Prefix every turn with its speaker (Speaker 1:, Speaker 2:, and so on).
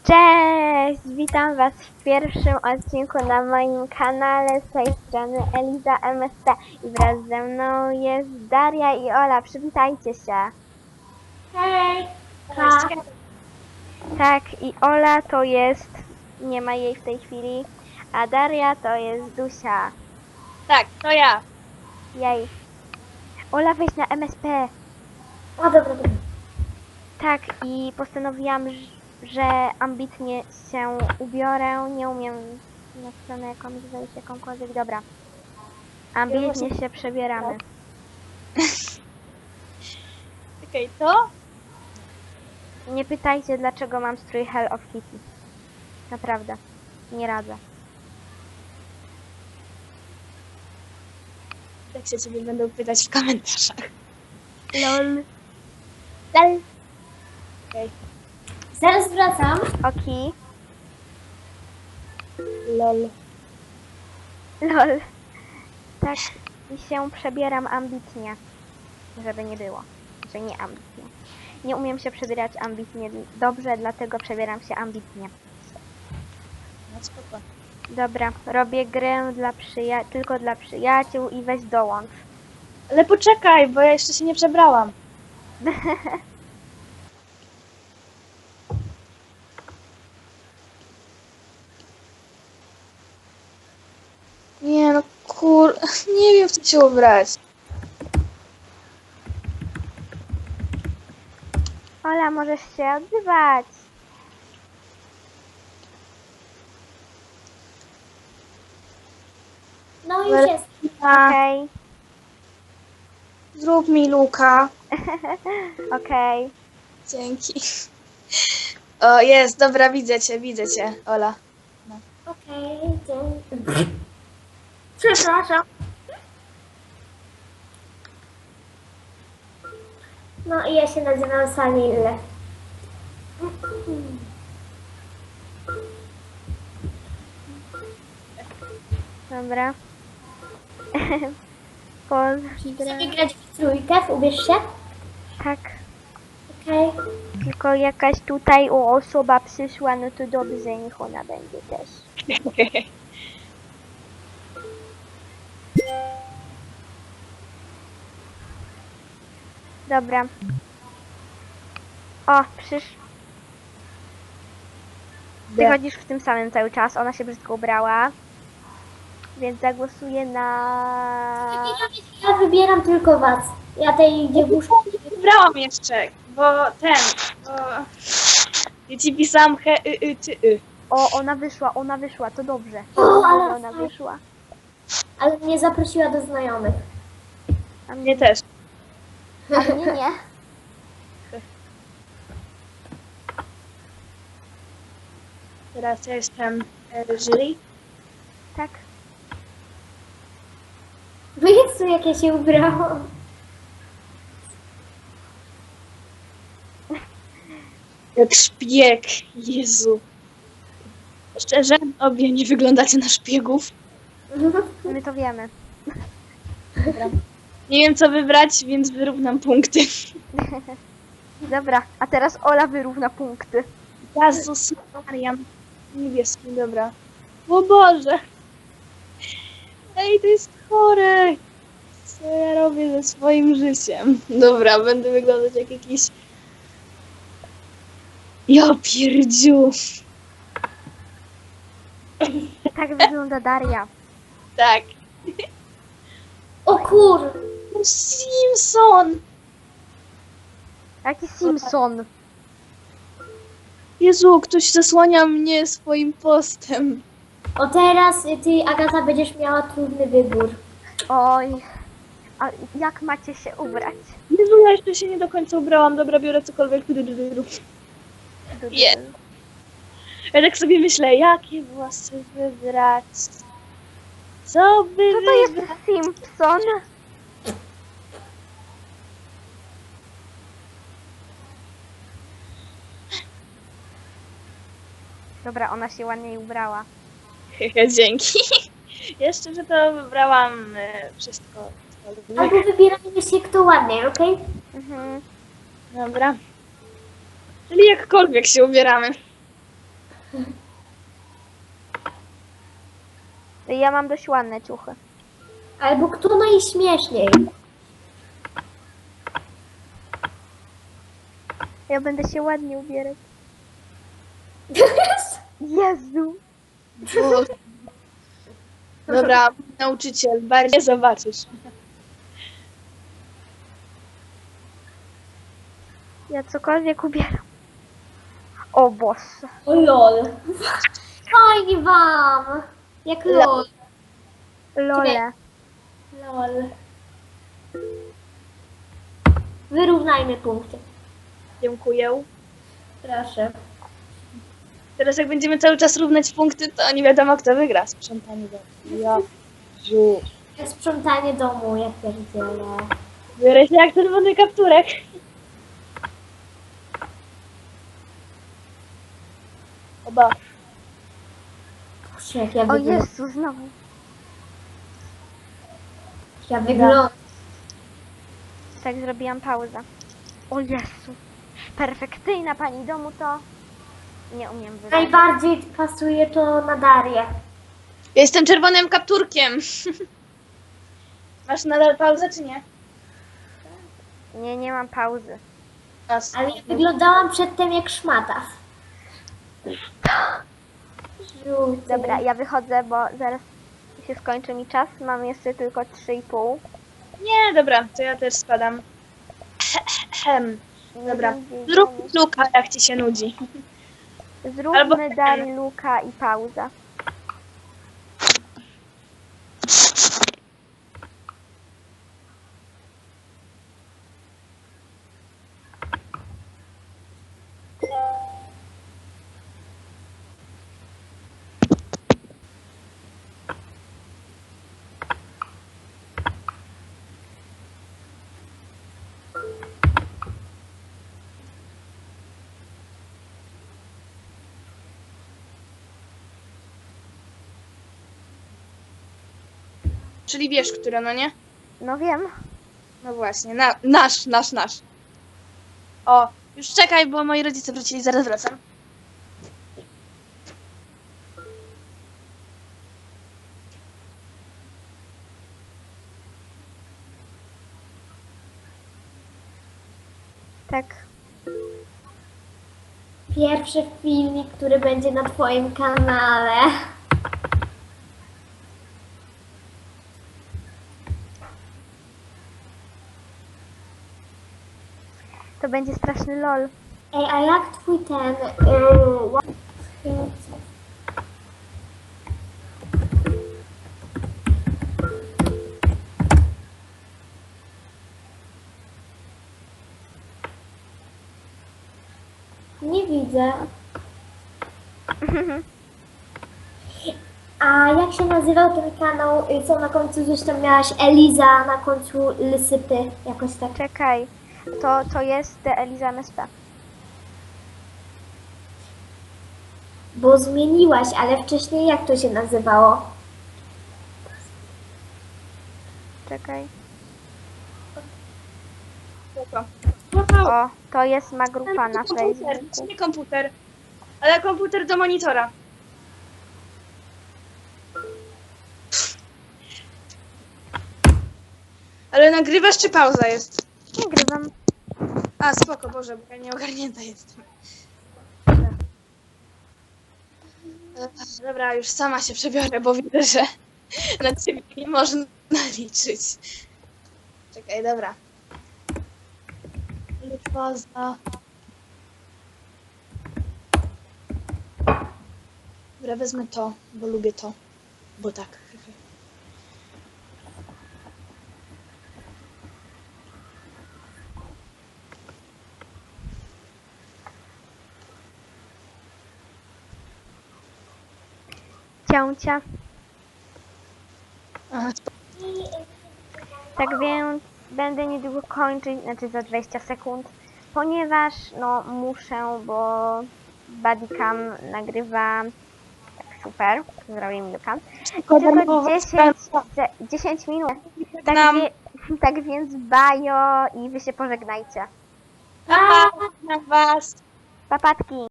Speaker 1: Cześć! Witam Was w pierwszym odcinku na moim kanale. Z tej strony Eliza MST i wraz ze mną jest Daria i Ola. Przywitajcie się.
Speaker 2: Hej!
Speaker 1: Tak, i Ola to jest, nie ma jej w tej chwili, a Daria to jest Dusia.
Speaker 2: Tak, to ja.
Speaker 1: Jej. Ola, weź na MSP.
Speaker 2: O, dobra.
Speaker 1: Tak, i postanowiłam, że ambitnie się ubiorę. Nie umiem na stronę jakąś wejść, jakąkolwiek. Dobra. Ambitnie się przebieramy.
Speaker 2: Okej, to?
Speaker 1: Nie pytajcie, dlaczego mam strój Hell of Kitty. Naprawdę. Nie radzę.
Speaker 2: Tak się ciebie będą pytać w komentarzach.
Speaker 1: LOL.
Speaker 2: Dalej. Okej. Zaraz wracam.
Speaker 1: Oki.
Speaker 2: Lol.
Speaker 1: LOL. Tak. I się przebieram ambitnie. Żeby nie było. Że nie ambitnie. Nie umiem się przebierać ambitnie dobrze, dlatego przebieram się ambitnie.
Speaker 2: No spoko.
Speaker 1: Dobra, robię grę dla tylko dla przyjaciół i weź dołącz.
Speaker 2: Ale poczekaj, bo ja jeszcze się nie przebrałam. Nie no nie wiem w co się ubrać.
Speaker 1: Ola, możesz się odzywać.
Speaker 2: No już jest.
Speaker 1: Okej.
Speaker 2: Zrób mi luka.
Speaker 1: Okej.
Speaker 2: Dzięki. O, jest, dobra, widzę cię, Ola.
Speaker 3: Okej, dzięki. Przepraszam. No i ja się nazywam Salil.
Speaker 1: Dobra.
Speaker 3: Chcemy grać w trójkę, ubierz się?
Speaker 1: Tak.
Speaker 3: Okej.
Speaker 1: Tylko jakaś tutaj osoba przyszła, no to dobrze, niech ona będzie też. Dobra. O, Ty chodzisz w tym samym cały czas, ona się brzydko ubrała. Więc zagłosuję na...
Speaker 3: Ja wybieram tylko was. Ja tej dziewuszki...
Speaker 2: Wybrałam jeszcze, bo bo... Ja ci pisałam czy
Speaker 1: O, ona wyszła, to dobrze.
Speaker 3: O, ale
Speaker 1: Ona wyszła.
Speaker 3: Ale mnie zaprosiła do znajomych.
Speaker 1: A
Speaker 2: Mnie też.
Speaker 1: A mnie nie.
Speaker 2: Teraz ja jestem jury.
Speaker 1: Tak.
Speaker 3: No Jezu, jak ja się ubrałam.
Speaker 2: Jak szpieg, Jezu. Szczerze, obie nie wyglądacie na szpiegów.
Speaker 1: My to wiemy.
Speaker 2: Dobra. Nie wiem co wybrać, więc wyrównam punkty.
Speaker 1: Dobra, a teraz Ola wyrówna punkty.
Speaker 2: Jezus Marian. Niebieski, dobra. O Boże. Ej, to jest chore. Co ja robię ze swoim życiem? Dobra, będę wyglądać jak jakiś... Ja pierdziu.
Speaker 1: Tak wygląda Daria.
Speaker 2: Tak.
Speaker 3: O kur...
Speaker 2: Simpson.
Speaker 1: Jaki Simpson.
Speaker 2: Jezu, ktoś zasłania mnie swoim postem.
Speaker 3: O teraz ty, Agata, będziesz miała trudny wybór.
Speaker 1: Oj. A jak macie się ubrać?
Speaker 2: Jezu, ja jeszcze się nie do końca ubrałam. Dobra, biorę cokolwiek. Nie. Ja tak sobie myślę, jakie włosy wybrać. Co by
Speaker 1: Co to jest
Speaker 2: wybrać?
Speaker 1: Simpson? Dobra, ona się ładnie ubrała.
Speaker 2: Dzięki. Jeszcze, że to wybrałam wszystko. co lubię.
Speaker 3: Albo wybieramy się kto ładniej, okej?
Speaker 1: Mhm.
Speaker 2: Dobra. Czyli jakkolwiek się ubieramy.
Speaker 1: Ja mam dość ładne ciuchy.
Speaker 3: Albo kto najśmieszniej?
Speaker 1: Ja będę się ładnie ubierać. Jezu.
Speaker 2: Dobra, nauczyciel, bardziej zobaczysz.
Speaker 1: Ja cokolwiek ubieram. O Boże.
Speaker 3: O lol. Fajnie wam. Jak lol.
Speaker 1: Lole.
Speaker 3: Lol. Wyrównajmy punkty.
Speaker 2: Dziękuję.
Speaker 3: Proszę.
Speaker 2: Teraz jak będziemy cały czas równać punkty, to nie wiadomo kto wygra. Sprzątanie domu. Ja. Ziu.
Speaker 3: Sprzątanie domu, jak pierdzielę.
Speaker 2: Biorę się jak czerwony kapturek. Oba.
Speaker 3: Boże, jak ja
Speaker 1: O
Speaker 3: wyglądam.
Speaker 1: Jezu, znowu.
Speaker 3: Ja wyglądam.
Speaker 1: Tak, zrobiłam pauzę. O Jezu. Perfekcyjna pani domu to... Nie umiem wybrać.
Speaker 3: Najbardziej pasuje to na Darię.
Speaker 2: Ja jestem czerwonym kapturkiem. Masz nadal pauzę, czy nie?
Speaker 1: Nie, nie mam pauzy.
Speaker 2: Nas.
Speaker 3: Ale ja wyglądałam przedtem jak szmata. Żółty.
Speaker 1: Dobra, ja wychodzę, bo zaraz się skończy mi czas. Mam jeszcze tylko 3,5.
Speaker 2: Nie, dobra, to ja też spadam. Dobra.
Speaker 1: Nie
Speaker 2: Zrób
Speaker 1: wiem,
Speaker 2: luka, jak ci się nudzi.
Speaker 1: Zróbmy
Speaker 2: albo-
Speaker 1: Dari, Luka i pauza.
Speaker 2: Czyli wiesz, które, no nie?
Speaker 1: No wiem.
Speaker 2: No właśnie, nasz. O, już czekaj, bo moi rodzice wrócili, zaraz wracam.
Speaker 1: Tak.
Speaker 3: Pierwszy filmik, który będzie na twoim kanale.
Speaker 1: To będzie straszny lol.
Speaker 3: Ej, a jak twój ten... Nie widzę. A jak się nazywał ten kanał, co na końcu gdzieś tam miałaś? Eliza, na końcu Lysypy, jakoś tak.
Speaker 1: Czekaj. To jest The Eliza MSP.
Speaker 3: Bo zmieniłaś, ale wcześniej jak to się nazywało?
Speaker 1: Czekaj.
Speaker 2: Spoko.
Speaker 1: O, to jest ma grupa na
Speaker 2: komputer,
Speaker 1: Facebooku.
Speaker 2: nie komputer, ale komputer do monitora. Ale nagrywasz czy pauza jest?
Speaker 1: Nagrywam.
Speaker 2: A, spoko, Boże, bo ja nieogarnięta jestem. Dobra, już sama się przebiorę, bo widzę, że na ciebie nie można liczyć. Czekaj, dobra. Pauza. Dobra, wezmę to, bo lubię to. Bo tak.
Speaker 1: Ciącia.
Speaker 2: Aha,
Speaker 1: Tak więc będę niedługo kończyć, znaczy za 20 sekund, ponieważ no muszę, bo Bodycam nagrywa tak super, zrobię mi Luka. Tylko 10 minut. Tak,
Speaker 2: Nam.
Speaker 1: tak więc bajo i wy się pożegnajcie.
Speaker 2: Pa, na was.
Speaker 1: Papatki.